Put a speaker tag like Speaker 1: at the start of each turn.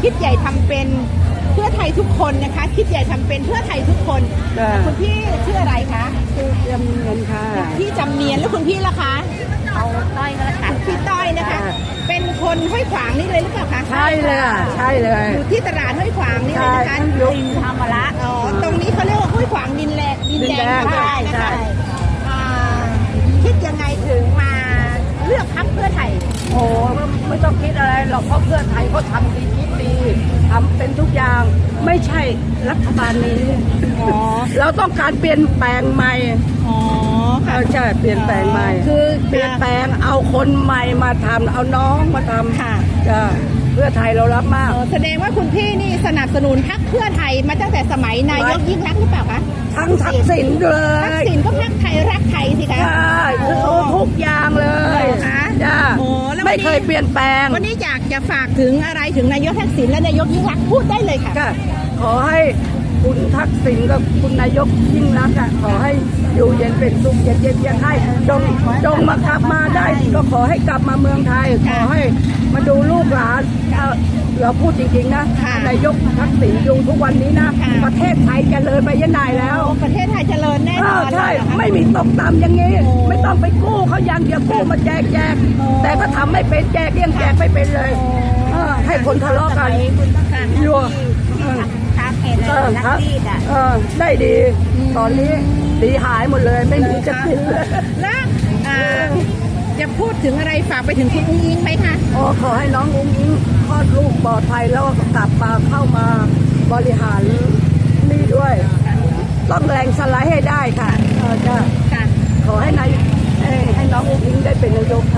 Speaker 1: คิดใหญ่ทำเป็นเพื่อไทยทุกคนนะคะคิดใหญ่ทำเป็นเพื่อไทยทุกคนคุณพี่ชื่ออะไรคะ
Speaker 2: คือจำเนียนค่ะ
Speaker 1: พี่จำเนียนแล้วคุณพี่ล่ะคะ
Speaker 2: เอาต้อยก็แล้วกัน
Speaker 1: พี่ต้อยนะคะเป็นคนห้วยขวางนี่เลยหรือเปล่าคะ
Speaker 2: ใช่เลยใช่เลย
Speaker 1: อยู่ที่ตลาดห้วยขวางนี่เลยนะคะ
Speaker 2: ดินธรรมระ
Speaker 1: อ๋อตรงนี้เขาเรียกว่าห้วยขวางดินแดง
Speaker 2: ใช่ใช่
Speaker 1: คิดยังไงถึงมาเลือกพรรคเพื่อไทย
Speaker 2: โอ้ไม่ต้องคิดอะไรหรอกเพราะเพื่อไทยเขาทำดีคิดดีทำเป็นทุกอย่างไม่ใช่รัฐบาลนี้เราต้องการเปลี่ยนแปลงใหม่ใช่เปลี่ยนแปลงใหม่คือเปลี่ยนแปลงเอาคนใหม่มาทำเอาน้องมาทำ
Speaker 1: ค่ะ
Speaker 2: เพื่อไทยเรารับมาก
Speaker 1: แสดงว่าคุณพี่นี่สนับสนุนพรรคเพื่อไทยมาตั้งแต่สมัยนายกยิ่งรักษณ์หรือเปล่าคะ
Speaker 2: ทั้งทักษิณเลย
Speaker 1: ทักษิณก็พรรคไทยรักไทยสิคะ
Speaker 2: ใช่ทุกอย่างเลยจ้าไม่เคยเปลี่ยนแปลง
Speaker 1: วันนี้อยากจะฝากถึงอะไรถึงนายกทักษิณและนายกยิ่งรักษณ์พูดได้เลยค่ะ
Speaker 2: ขอให้คุณทักษิณกับคุณนายกยิ่งรักษณ์ขอให้อยู่เย็นเป็นสุขเย็นให้จงมากลับมาได้ก็ขอให้กลับมาเมืองไทยขอให้มาดูลูกหลานเราพูดจริงๆนะนายกทักษิณอยู่ทุกวันนี้นะประเทศไทยเจริญไปยันไหนแล้ว
Speaker 1: ประเทศไทยเจริญแน่นอน
Speaker 2: ใช่ไม่มีตกต่ำอย่างนี้ไม่ต้องไปกู้เขาอย่างเดียวกู้มาแจกแต่ก็ทำไม่เป็นแจกยังแจกไม่เป็นเลยให้คนทะเลาะกันยัวได้ดีตอนนี้ดีหายหมดเลยไม่มีจะกินเลย
Speaker 1: แล้วจะพูดถึงอะไรฝากไปถึงคุณอุ้งอิงไหมคะ
Speaker 2: ขอให้น้องอุ้งอิงคลอดลูกปลอดภัยแล้วกลับมาเข้ามาบริหารนี่ด้วยต้องแรงสไลด์ให้ได้ค่ะขอให้น้องอุ้งอิงได้เป็นนายก